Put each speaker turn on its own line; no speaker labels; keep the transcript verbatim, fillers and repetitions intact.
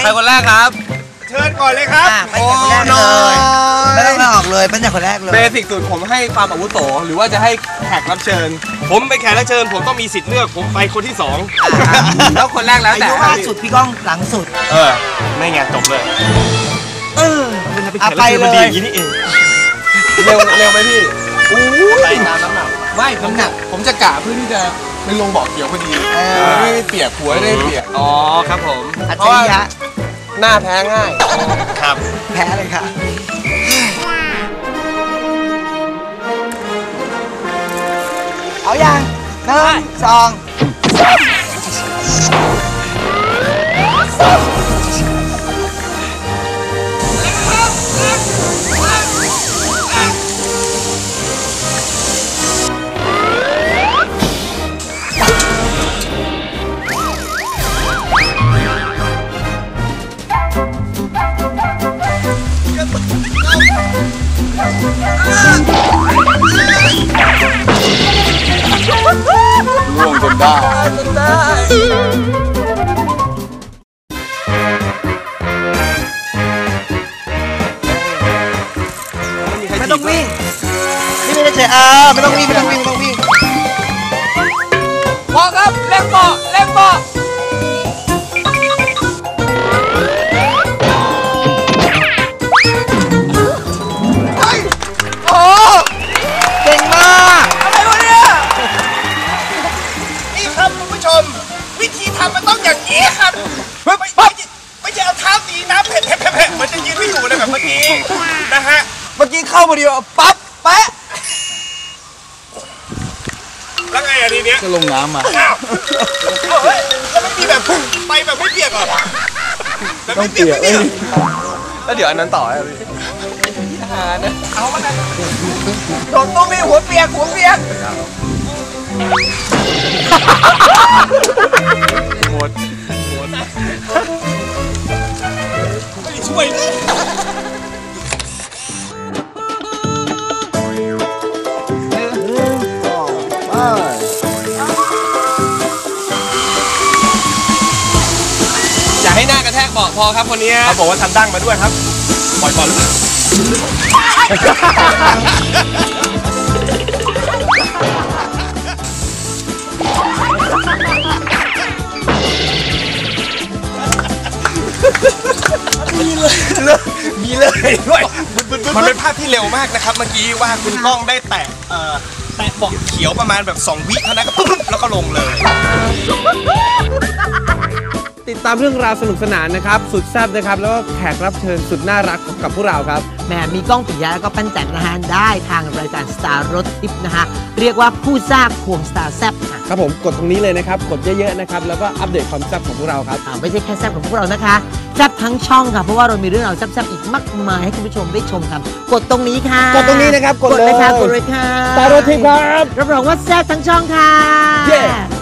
ใครคนแรกครับ
เชิญก่อนเลยครับ
โอ้น้อยไม่ต้องมาออกเลยเป็นอย่างคนแรกเลย
เบสิกสุดผมให้ความอาวุโสหรือว่าจะให้แขกรับเชิญผมเป็นแขกรับเชิญผมต้องมีสิทธิ์เลือกผมไปคนที่สองแล้วคนแรกแล้วแต่
อายุล่าสุดพี่ก้องหลังสุด
เออไม่ไงจบเลย
เออ
เอาไปเลยอย่างนี้นี่เองเร็วเร็วไหมพี่อู้ไปตามน้ำหนักไม่น้ำหนักผมจะกะเพื่อที่จะไปลงบ่อเขียวพอดีไม่เปียกหัวไม่เปียกอ๋อครับผม
เพราะว่า
หน้าแพ้ง่ายครับ
แพ้เลยค่ะเอาอย่างหนึ่งสอง
ร่วงจนได้จนได้
ไม่ต้องวิ่งนี่ไม่ได้เฉยอ่าไม่ต้องวิ่งไม่ต้องวิ่งไม่ต้องวิ่ง
พอครับเล่นบ่อเล่นบ่อ
เก่งมาก
อะไรวะเนี่ยนี่ครับคุณผู้ชมวิธีทำมันต้องอย่างนี้ครับไม่ไม่ไม่ใช่เอาเท้าตีน้ำเผ็ดเผ็ดเผ็ดมันจะยืนไม่อยู่เลยแบบเมื่อกี้นะฮะ
เมื่อกี้เข้ามาเดียวปั๊บแปะ
แล้วไงอันนี้เนี้ย
จะลงน้ำมา
อ้าวเฮ้ยแล้วไม่มีแบบพุ่งไปแบบไม่เปียกหรอแบบไม่เปียกไม่เปียก
แล้วเดี๋ยวอันนั้นต่อไอ้พี่
เอามากันโดนตู้มีหัวเปียกหัวเปียก
หมดหมด
ไม่ได้ช่วยเลย
อย่าให้หน้ากระแทกเบาะพอครับคนนี้เขาบอกว่าทำดั้งมาด้วยครับปล่อยบอล
มีเลยมีเลยด้วยมันเป็นภาพที่เร็วมากนะครับเมื่อกี้ว่าคุณก้องได้แตะเอ่อแตะเบาะเขียวประมาณแบบสองวิเท่านั้นก็ปุ๊บแล้วก็ลงเลย
ติดตามเรื่องราวสนุกสนานนะครับสุดแซ่บนะครับแล้วก็แขกรับเชิญสุดน่ารักกับพวกเราครับ
แหมมีก้องปิยะแล้วก็ปั้นจันนะฮะได้ทางรายการสตาร์รถทิปนะฮะเรียกว่าผู้สร้างควงสตาร์แซ่บ
ครับผมกดตรงนี้เลยนะครับกดเยอะๆนะครับแล้วก็อัปเดตความแซ่บของพวกเราครับ
ไม่ใช่แค่แซ่บของพวกเรานะคะแซ่บทั้งช่องค่ะเพราะว่าเรามีเรื่องราวแซ่บๆอีกมากมายให้คุณผู้ชมได้ชมกันกดตรงนี้ค่ะ
กดตรงนี้นะครับ
กดเลยค่ะกดเลยค่ะ
สตาร์รถทิปครับ
รับรองว่าแซ่บทั้งช่องค่ะ